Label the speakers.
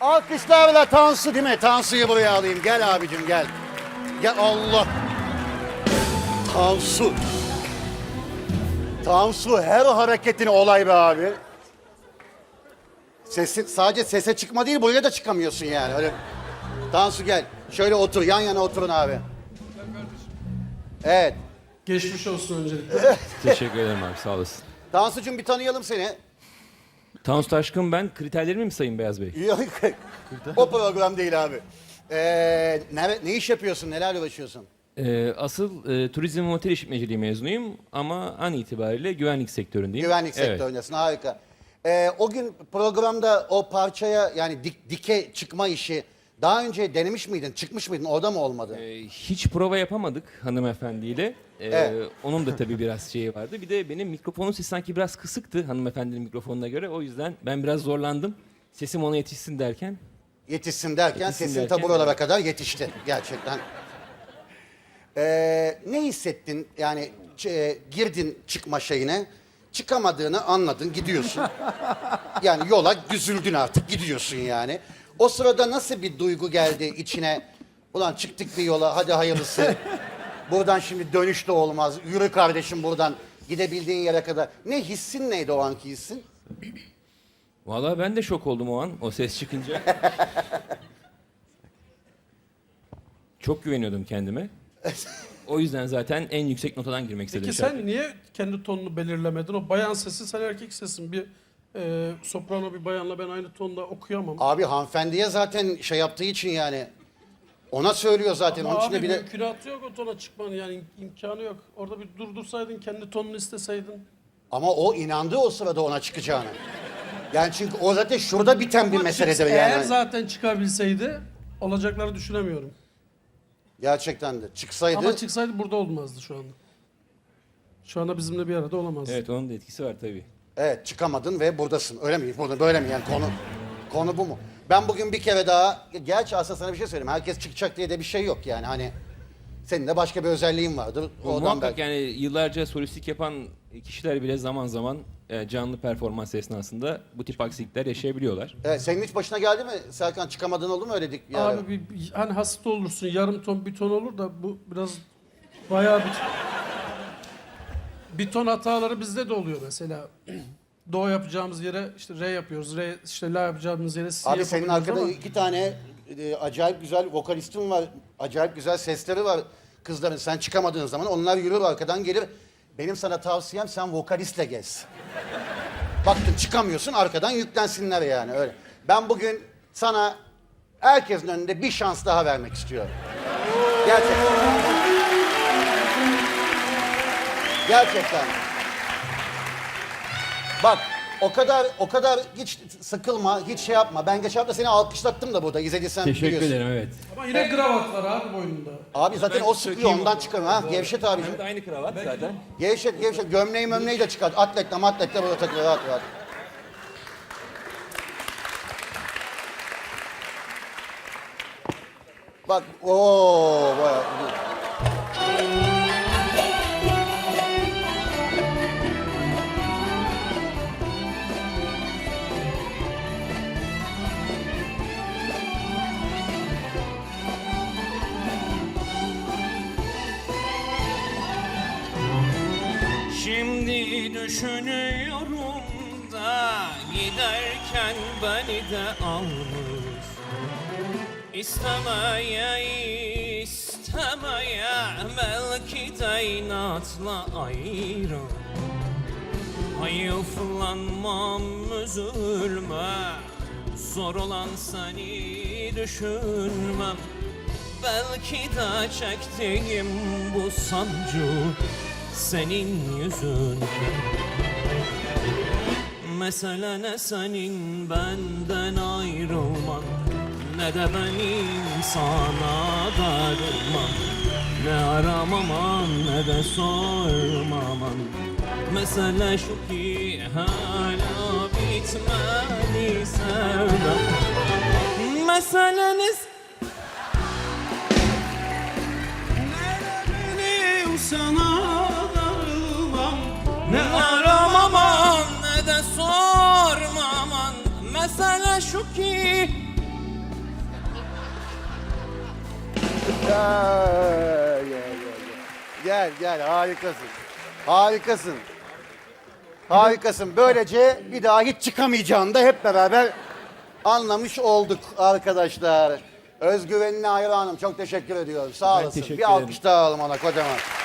Speaker 1: Alkışlarla Tansu değil mi? Tansu'yu buraya alayım. Gel abicim gel. Gel Allah. Tansu. Tansu her hareketini olay be abi. Sadece sese çıkma değil, buraya da çıkamıyorsun yani. Öyle. Tansu gel. Şöyle otur, yan yana oturun abi. Evet.
Speaker 2: Geçmiş olsun öncelikle.
Speaker 3: Teşekkür ederim abi, sağ olasın.
Speaker 1: Tansu'cum bir tanıyalım seni.
Speaker 3: Tansu Taşkın ben. Kriterlerimi mi sayayım Beyaz Bey?
Speaker 1: Yok, o program değil abi. Ne iş yapıyorsun, nelerle uğraşıyorsun?
Speaker 3: Asıl turizm ve otel işletmeciliği mezunuyum ama an itibariyle güvenlik sektöründeyim.
Speaker 1: Güvenlik
Speaker 3: Evet.
Speaker 1: sektöründesin, harika. O gün programda o parçaya yani dike çıkma işi daha önce denemiş miydin, çıkmış mıydın, orada mı olmadı?
Speaker 3: Hiç prova yapamadık hanımefendiyle.
Speaker 1: Evet.
Speaker 3: Onun da tabii biraz şeyi vardı. Bir de benim mikrofonun sesi sanki biraz kısıktı hanımefendinin mikrofonuna göre. O yüzden ben biraz zorlandım. Sesim ona yetişsin derken.
Speaker 1: Yetişsin derken
Speaker 3: Yetişsin
Speaker 1: sesin
Speaker 3: derken,
Speaker 1: ta buralara
Speaker 3: evet.
Speaker 1: kadar yetişti gerçekten. Ne hissettin yani girdin çıkma şeyine, çıkamadığını anladın, gidiyorsun. Yani yola düzüldün artık, gidiyorsun yani. O sırada nasıl bir duygu geldi içine? Ulan çıktık bir yola, hadi hayırlısı. Buradan şimdi dönüş de olmaz. Yürü kardeşim buradan gidebildiğin yere kadar. Ne hissin neydi o anki hissin?
Speaker 3: Vallahi ben de şok oldum o an o ses çıkınca. Çok güveniyordum kendime. O yüzden zaten en yüksek notadan girmek istedim.
Speaker 2: Peki sen niye kendi tonunu belirlemedin? O bayan sesi, sen erkek sesin. Bir soprano bir bayanla ben aynı tonda okuyamam.
Speaker 1: Abi hanımefendiye zaten şey yaptığı için yani. Ona söylüyor zaten.
Speaker 2: Ama
Speaker 1: Onun için de
Speaker 2: abi
Speaker 1: bir de...
Speaker 2: mümkünatı yok o tona çıkmanın, yani imkanı yok. Orada bir durdursaydın, kendi tonunu isteseydin.
Speaker 1: Ama o inandı o sırada ona çıkacağına. Yani çünkü o zaten şurada biten bir
Speaker 2: Ama
Speaker 1: meseledir
Speaker 2: eğer
Speaker 1: yani.
Speaker 2: zaten çıkabilseydi olacakları düşünemiyorum.
Speaker 1: Gerçekten de. Çıksaydı...
Speaker 2: Ama çıksaydı burada olmazdı şu anda. Şu anda bizimle bir arada olamazdı.
Speaker 3: Evet, onun da etkisi var tabii.
Speaker 1: Evet, çıkamadın ve buradasın. Öyle mi? Burada böyle mi yani konu bu mu? Ben bugün bir kere daha, gerçi aslında sana bir şey söyleyeyim. Herkes çıkacak diye de bir şey yok yani hani. Senin de başka bir özelliğin vardır.
Speaker 3: Muhakkak
Speaker 1: belki...
Speaker 3: yani yıllarca solistlik yapan kişiler bile zaman zaman canlı performans esnasında bu tip aksilikler yaşayabiliyorlar.
Speaker 1: Evet, senin hiç başına geldi mi Serkan? Çıkamadığın oldu mu öyle dik bir ara?
Speaker 2: Abi hani hasta olursun, yarım ton bir ton olur da bu biraz bayağı bir ton hataları bizde de oluyor mesela. Do yapacağımız yere işte re yapıyoruz. Re işte la yapacağımız yere si
Speaker 1: Abi senin
Speaker 2: yapabiliyoruz
Speaker 1: arkada
Speaker 2: ama
Speaker 1: iki tane acayip güzel vokalistin var. Acayip güzel sesleri var kızların. Sen çıkamadığın zaman onlar yürür arkadan gelir. Benim sana tavsiyem sen vokalistle gez. Baktın çıkamıyorsun arkadan yüklensinler yani öyle. Ben bugün sana herkesin önünde bir şans daha vermek istiyorum. Gerçekten. Gerçekten. Bak o kadar hiç sıkılma, hiç şey yapma. Ben geçen hafta seni alkışlattım da burada izlediysen
Speaker 3: Teşekkür
Speaker 1: biliyorsun.
Speaker 3: ederim, evet.
Speaker 2: ama yine kravat var abi boynunda.
Speaker 1: Abi zaten
Speaker 3: Ben
Speaker 1: o sıkıyor
Speaker 3: sökeyim
Speaker 1: ondan
Speaker 3: o.
Speaker 1: çıkarım ha. Gevşet abicim.
Speaker 3: Hem de aynı kravat zaten.
Speaker 1: Gevşet. Gömleği mömleği de çıkart. Atletle burada takılıyor rahat rahat. Bak bayağı.
Speaker 4: Şimdi düşünüyorum da giderken beni de almış. İstemeye belki de inatla ayrı. Hayıflanmam, üzülme, zor olan seni düşünmem. Belki de çektiğim bu sancı senin yüzün. Mesele ne senin benden ayrılman, ne de benim sana darılmam. Ne aramaman ne de sormaman. Mesele şu ki hala bitmedi sevdam. Meseleniz benim sana darılmam. Ne aramaman ne de sormaman. Mesele şu ki
Speaker 1: Gel harikasın. Harikasın. Harikasın. Böylece bir daha hiç çıkamayacağını da hep beraber anlamış olduk arkadaşlar. Özgüvenine hayranım. Çok teşekkür ediyorum. Sağ
Speaker 3: Ben
Speaker 1: olasın.
Speaker 3: teşekkür
Speaker 1: Bir alkış daha alalım ona kocaman.